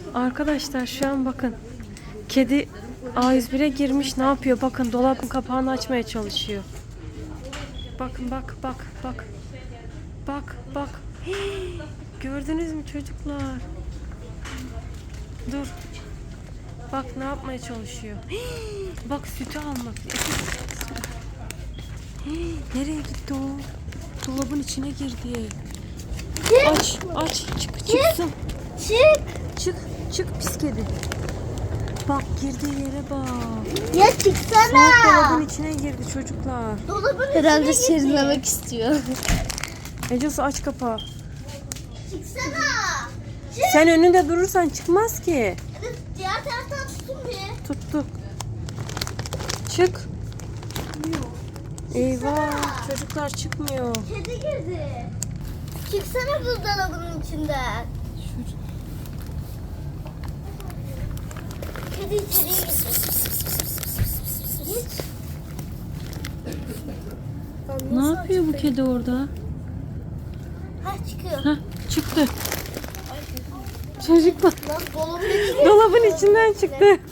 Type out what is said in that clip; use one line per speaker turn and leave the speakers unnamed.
Arkadaşlar şu an bakın. Kedi A101'e girmiş. Ne yapıyor? Bakın dolabın kapağını açmaya çalışıyor. Bakın bak. Bak. Hii, gördünüz mü çocuklar? Dur. Bak ne yapmaya çalışıyor. Hii, bak sütü almak. Hii, nereye gitti o? Dolabın içine girdi. Aç. Çıksın. Çık pis kedi. Bak girdiği yere bak.
Ya çıksana.
Dolabın içine girdi çocuklar.
Dolabın herhalde serinlemek istiyor.
Ecesu aç kapağı.
Çıksana.
Sen önünde durursan çıkmaz ki.
Evet, diğer taraftan tutun bir.
Tuttuk. Çık. Eyvah çocuklar çıkmıyor.
Kedi girdi. Çıksana buzdolabının içinden. Kedi içeriye girdi. Git.
Ne yapıyor bu kedi orada?
Ha çıkıyor.
Heh, çıktı. Çocuklar
Lan dolabın içine.
dolabın içinden çıktı.